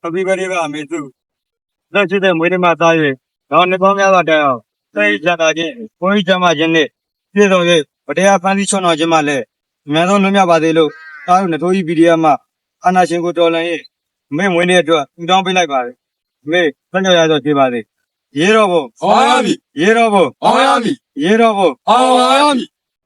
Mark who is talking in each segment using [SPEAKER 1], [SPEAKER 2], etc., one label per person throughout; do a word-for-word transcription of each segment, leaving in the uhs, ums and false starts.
[SPEAKER 1] Happy birthday ပါအမေစုလက်ရှိတဲ့မွေးနေ့မှာသား၍တော့နှစ်ပေါင်းများစွာတိုင်အောင်စိတ်ချတာချင်းကိုကြီးချမ်းသာခြင်းနဲ့ပြည့်စုံ၍ဗတရားဖန်တီးချွန်တော်ခြင်းမှလည်းအများဆုံးလွတ်မြောက်ပါစေလို့သားတို့နှစ်ထိုးကြီး ပီ ဒီ အက်ဖ် မှအာနာရှင်ကိုတော်လှန်၍အမေမွေးနေ့အတွက်ပူတောင်းပေးလိုက်ပါတယ်အမေဆက်ကြော်ရတော့ကြပါစေရေတော်ဘုံ
[SPEAKER 2] အောင်ရမည်
[SPEAKER 1] ရေတော်ဘုံ
[SPEAKER 2] အောင်ရမည်
[SPEAKER 1] ရေတော်ဘုံ
[SPEAKER 2] အောင်ရမည်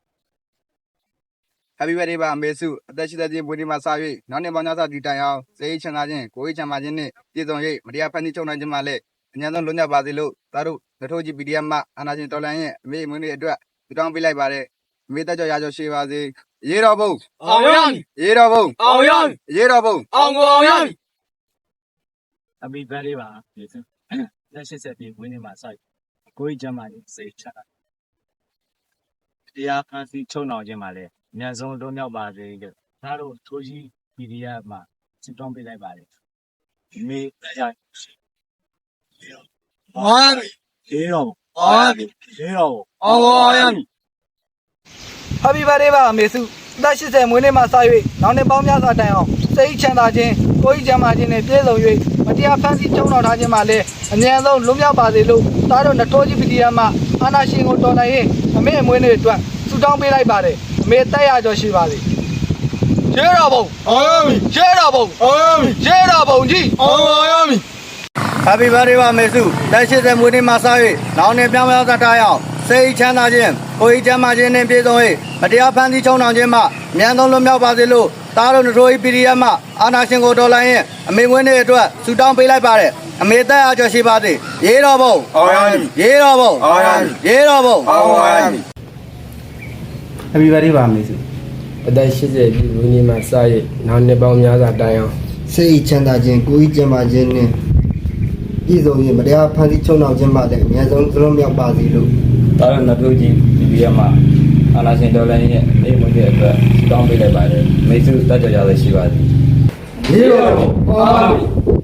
[SPEAKER 3] Happy birthday ပါအမေစုအသက်ရှိတဲ့ခြင်းမွေးနေ့မှာစ၍နောက်နှစ်ပေါင်းများစွာတည်တိုင်အောင်စိတ်ချမ်းသာခြင်းကိုယ်ချမ်းသာခြင်းနဲ့ပြည့်စုံ၍မတရားဖန်တီးချုပ်နိုင်ခြင်းမှလည်းအញ្ញံဆုံးလွတ်မြောက်ပါစေလို့သားတို့လက်ထိုးကြီး ပီ ဒီ အက်ဖ် မှအာနာရှင်တော်လှန်ရဲ့အမေမွေးနေ့အတွက်ပြုတောင်းပေးလိုက်ပါတယ်အမေတက်ကြော်ရကြော်ရှိပါစေရေတော်ဘုံ
[SPEAKER 2] အောင်ရမည်
[SPEAKER 3] ရေတော်ဘုံ
[SPEAKER 2] အောင်ရမည်
[SPEAKER 3] ရေတော်ဘုံ
[SPEAKER 2] အောင်ကိုအောင်ရမည်
[SPEAKER 1] Happy birthday ပါအမေစုလက်ရှိတဲ့မွေးနေ့မှာစိုက်ကိုကြီးချမ်းသာခြင်းစိတ်ချတာတရားဖန်တီးချွန်တော်ခြင်းမှလည်းအများဆုံးလွတ်မြောက်ပါစေလို့သားတို့ထိုးကြီး ပီ ဒီ အက်ဖ် မှဆုတောင်းပေးလိုက်ပါတယ်အမေတရား
[SPEAKER 2] အောင်ရမည်
[SPEAKER 1] ရေတော်
[SPEAKER 2] အောင်ရမည်
[SPEAKER 1] ရေတော်
[SPEAKER 2] အောင်ကိုအောင်ရမည်
[SPEAKER 4] Happy birthday ပါအမေစုအသက်ရှိတဲ့မွေးနေ့မှာစ၍နောက်နှစ်ပေါင်းများစွာတိုင်အောင်စိတ်ချမ်းသာခြင်းကိုယ်ကြီးချမ်းသာခြင်းနဲ့ပြည့်စုံ၍မတရားဖန်ဆီးချုပ်နှောင်ထားခြင်းမှလည်းအမြန်ဆုံးလွတ်မြောက်ပါစေလို့သားတို့နှစ်ထိုးကြီး ပီ ဒီ အက်ဖ် မှအာနာရှင်ကိုတော်လှန်ရင်အမေအမွေးနေ့အတွက်ဆုတောင်းပေးလိုက်ပါတယ်အမေတက်ရကြော်ရှိပါစေရေတော်ဘုံ
[SPEAKER 2] အောင်ရမည်
[SPEAKER 4] ရေတော်ဘုံ
[SPEAKER 2] အောင်ရမည်
[SPEAKER 4] ရေတော်ဘုံကြီး
[SPEAKER 2] အောင်ရမည်
[SPEAKER 1] Happy birthday ပါမေစုလက်ရှိတဲ့မွေးနေ့မှာစား၍နောင်နေပြောင်းပြောင်းသတ်ထားရအောင်စိတ်ချမ်းသာခြင်းကိုယ်ကြီးချမ်းသာခြင်းနဲ့ပြည့်စုံ၍မတရားဖန်တီးချုံနှောင်ခြင်းမှအမြန်ဆုံးလွတ်မြောက်ပါစေလို့သားတို့နှစ်ထိုးကြီး ပီ ဒီ အက်ဖ် မှအာနာရှင်ကိုတော်လှန်ရင်အမေမွေးနေ့အတွက်ဆုတောင်းပေးလိုက်ပါတယ်အမေတက်အားကြော်ရှိပါစေရေတော်ဘုံ
[SPEAKER 2] အောင်ရမည်
[SPEAKER 1] ရေတော်ဘုံ
[SPEAKER 2] အောင်ရမည်
[SPEAKER 1] ရေတော်ဘုံ
[SPEAKER 2] အောင်ရမည်
[SPEAKER 5] Happy birthday ပါမေစုအသက်ရှိစေပြီးဝင်းကြီးမှာစရနောက်နှစ်ပေါင်းများစွာတိုင်အောင်
[SPEAKER 6] စိတ်ချမ်းသာခြင်းကိုယ်ကြီးကျန်းမာခြင်းနဲ့ပြည်စုံရင်မတရားဖန်တီးချုံနှောင်ခြင်းမှလည်းအများဆုံးသလုံးမြောက်ပါစေလို့
[SPEAKER 5] တာရနပြုတ်ကြီး ပီ ဒီ အက်ဖ် မှာအာနာရှင်တော်လည်းရဲ့အိမ်မွေးတဲ့အတွက်တောင်းပေးလိုက်ပါတယ်မေစုတက်ကြရရရှိပါသည်
[SPEAKER 2] ရေတော်အောင်ရမည်